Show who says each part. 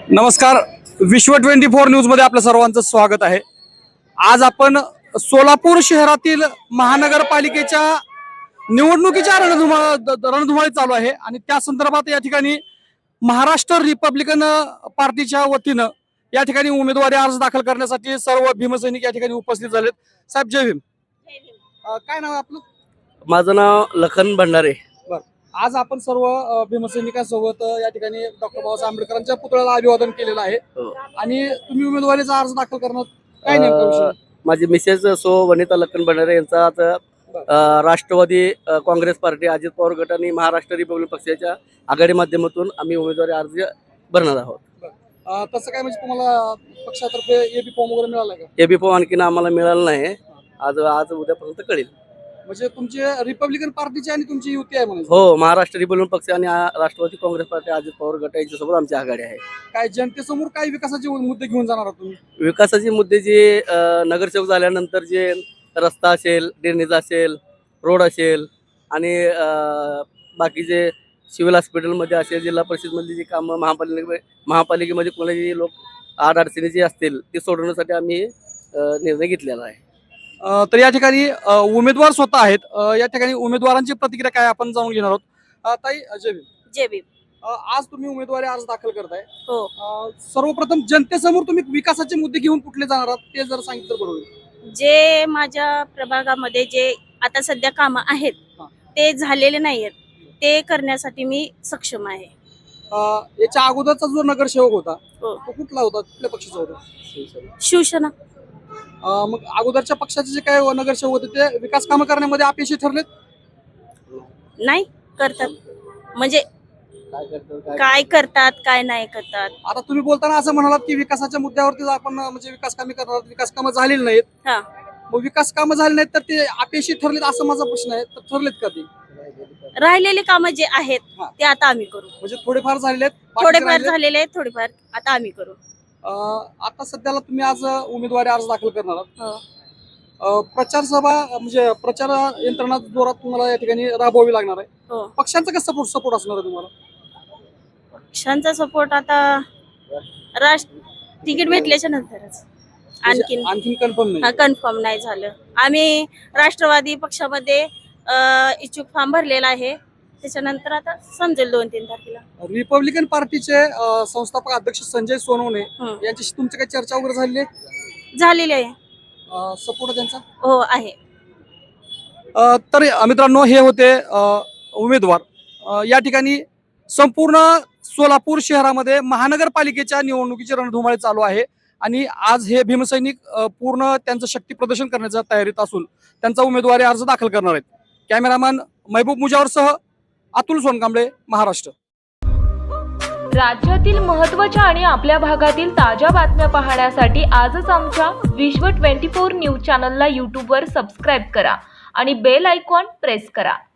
Speaker 1: नमस्कार, विश्व 24 न्यूज मध्ये आपल्या सर्वांचं स्वागत आहे। आज आपण सोलापूर शहरातील महानगरपालिकेच्या निवडणुकीच्या रणधुमाळी चालू आहे आणि त्या संदर्भात या ठिकाणी महाराष्ट्र रिपब्लिकन पार्टीच्या वतीनं या ठिकाणी उमेदवारी अर्ज दाखल करण्यासाठी सर्व भीमसैनिक या ठिकाणी उपस्थित झालेत। साहेब जय भीम। काय नाव आहे आपलं?
Speaker 2: माझं नाव लखन भंडारे।
Speaker 1: आज आपण सर्व भीमसैनिकांसोबत या ठिकाणी डॉक्टर बाबासाहेब आंबेडकरांच्या पुतळ्याला अभिवादन केलेलं आहे आणि तुम्ही उमेदवारीचा अर्ज दाखल करणार काय नेमका विषय?
Speaker 2: माझी मिसेस सो वनिता लखन भंडारे यांचा आज राष्ट्रवादी काँग्रेस पार्टी, अजित पवार गट आणि महाराष्ट्र रिपब्लिक पक्षाच्या आघाडी माध्यमातून आम्ही उमेदवारी अर्ज भरणार आहोत।
Speaker 1: तसं काय म्हणजे तुम्हाला पक्षातर्फे एबी फॉर्म वगैरे मिळाला का?
Speaker 2: एबी फॉर्म आणखीन आम्हाला मिळालं नाही, आज उद्यापर्यंत कळेल।
Speaker 1: म्हणजे तुमची रिपब्लिकन पार्टीची आणि तुमची युती आहे म्हणजे?
Speaker 2: हो, महाराष्ट्र रिपब्लिक पक्ष आणि राष्ट्रवादी काँग्रेस पार्टी, अजित पवार गट यांच्यासोबत आमची आघाडी आहे।
Speaker 1: काय जनतेसमोर काय विकासाचे मुद्दे घेऊन जाणार आहात तुम्ही?
Speaker 2: विकासाचे मुद्दे जे नगरसेवक झाल्यानंतर जे रस्ता असेल, ड्रेनेज असेल, रोड असेल आणि बाकीचे सिव्हिल हॉस्पिटलमध्ये असेल, जिल्हा परिषदमधली जी कामं महापालिकेमध्ये कोणाची लोक अडचणी जे असतील ते सोडवण्यासाठी आम्ही निर्णय घेतलेला आहे।
Speaker 1: तर या ठिकाणी उमेदवार स्वतः आहेत, या ठिकाणी उमेदवारांची प्रतिक्रिया काय आपण जाणून घेणार आहोत। ताई जय भीम।
Speaker 3: जय भीम।
Speaker 1: आज तुम्ही उमेदवारी अर्ज दाखल करताय,
Speaker 3: हो,
Speaker 1: सर्वप्रथम जनतेसमोर तुम्ही विकासाचे मुद्दे घेऊन कुठले जाणार आहात ते जर सांगितलं बरोबर होईल।
Speaker 3: जे माझ्या प्रभागामध्ये जे आता सध्या कामं आहेत ते झालेले नाहीयेत, ते करण्यासाठी मी सक्षम आहे।
Speaker 1: याच्या अगोदरचा जो नगरसेवक होता
Speaker 3: हो,
Speaker 1: तो कुठला होता, कुठल्या पक्षाचा होता?
Speaker 3: शिवसेना।
Speaker 1: मग अगोदरच्या पक्षाचे जे काय नगरसेवक होते ते विकास कामं करण्यामध्ये अपयशी ठरलेत?
Speaker 3: नाही करतात म्हणजे काय करतात काय नाही करतात।
Speaker 1: आता तुम्ही बोलताना असं म्हणालात की विकासाच्या मुद्द्यावरती आपण म्हणजे विकास कामे करणार, विकास कामं झालेली नाहीत।
Speaker 3: हा,
Speaker 1: मग विकास कामं झाली नाहीत तर ते अपयशी ठरलेत असं माझा प्रश्न आहे, तर ठरलेत का ते?
Speaker 3: राहिलेले कामं जे आहेत ते आता आम्ही करू।
Speaker 1: म्हणजे थोडेफार झालेले आहेत,
Speaker 3: थोडेफार झालेले आहेत, थोडेफार आता आम्ही करू।
Speaker 1: आता सध्याला तुम्ही आज उमेदवारी अर्ज दाखल करणार आहात,
Speaker 3: हो,
Speaker 1: प्रचार सभा म्हणजे प्रचार यंत्रणा जोरात तुम्हाला या ठिकाणी राबवावी लागणार आहे।
Speaker 3: हो,
Speaker 1: पक्षांचा कसं सपोर्ट असणार आहे तुम्हाला?
Speaker 3: पक्षांचा सपोर्ट आता तिकीट भेटल्याच्या नंतरच,
Speaker 1: आणखीन कन्फर्म नाही?
Speaker 3: कन्फर्म नाही झालं। आम्ही राष्ट्रवादी पक्षामध्ये इच्छुक फॉर्म भरलेला आहे, त्याच्यानंतर आता समजेल 2-3 तारखेला।
Speaker 1: रिपब्लिकन पार्टीचे संस्थापक अध्यक्ष संजय सोनवणे यांच्याशी तुमची काही चर्चा वगैरे झालेली आहे?
Speaker 3: झालेली आहे,
Speaker 1: सपोर्ट त्यांचा?
Speaker 3: हो आहे।
Speaker 1: तर मित्रांनो, हे होते उमेदवार। या ठिकाणी संपूर्ण सोलापूर शहरामध्ये महानगरपालिकेच्या निवडणुकीची रणधुमाळी चालू आहे आणि आज हे भीमसैनिक पूर्ण त्यांचं शक्ती प्रदर्शन करण्याच्या तयारीत असून त्यांचा उमेदवारी अर्ज दाखल करणार आहेत। कॅमेरामॅन महबूब मुजावरसह अतुल सोनकांबळे, महाराष्ट्र।
Speaker 4: राज्यातील महत्त्वाच्या आणि आपल्या भागातील ताज्या बातम्या पाहण्यासाठी आजच आमच्या विश्व 24 न्यूज चॅनलला यूट्यूबवर सबस्क्राईब करा आणि बेल आयकॉन प्रेस करा।